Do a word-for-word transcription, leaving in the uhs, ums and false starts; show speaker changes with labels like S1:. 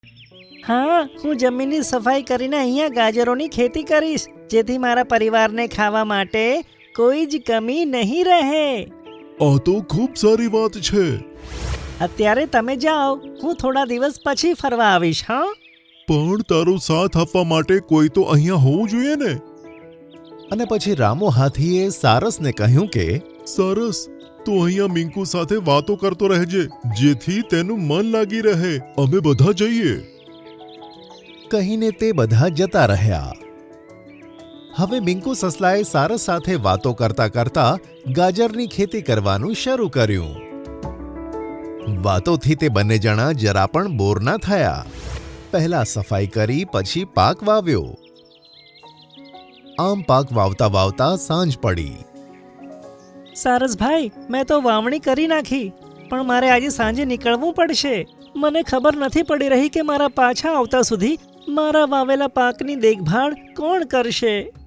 S1: હા, હું જમીનની સફાઈ કરીને અહીંયા ગાજરોની ખેતી કરીશ, જેથી મારા પરિવારને ખાવા માટે કોઈ જ કમી નહીં રહે.
S2: આ તો ખૂબ સારી વાત છે.
S1: અત્યારે તમે જાઓ, હું થોડા દિવસ પછી ફરવા આવીશ. હા,
S2: પણ તારો સાથ આપવા માટે કોઈ તો અહીંયા હોવું જોઈએ ને.
S3: અને પછી રામુ હાથીએ સારસને કહ્યું કે
S2: સરસ, તું અહીંયા મિંકુ સાથે વાતો કરતો રહેજે, જેથી તેનું મન લાગી રહે. અમે બધા જઈએ.
S3: કહીને તે બધા જતા રહ્યા. હવે મિંકુ સસલાએ સારસ સાથે વાતો કરતા કરતા ગાજરની ખેતી કરવાનું શરૂ કર્યું. વાતોથી તે બંને જણા જરા પણ બોર ના થયા. પહેલા સફાઈ કરી, પછી પાક વાવ્યો. આમ પાક વાવતા વાવતા સાંજ પડી.
S1: સારસભાઈ, મેં તો વાવણી કરી નાખી, પણ મારે આજે સાંજે નીકળવું પડશે. મને ખબર નથી પડી રહી કે મારા પાછા આવતા સુધી મારા વાવેલા પાકની દેખભાળ કોણ કરશે.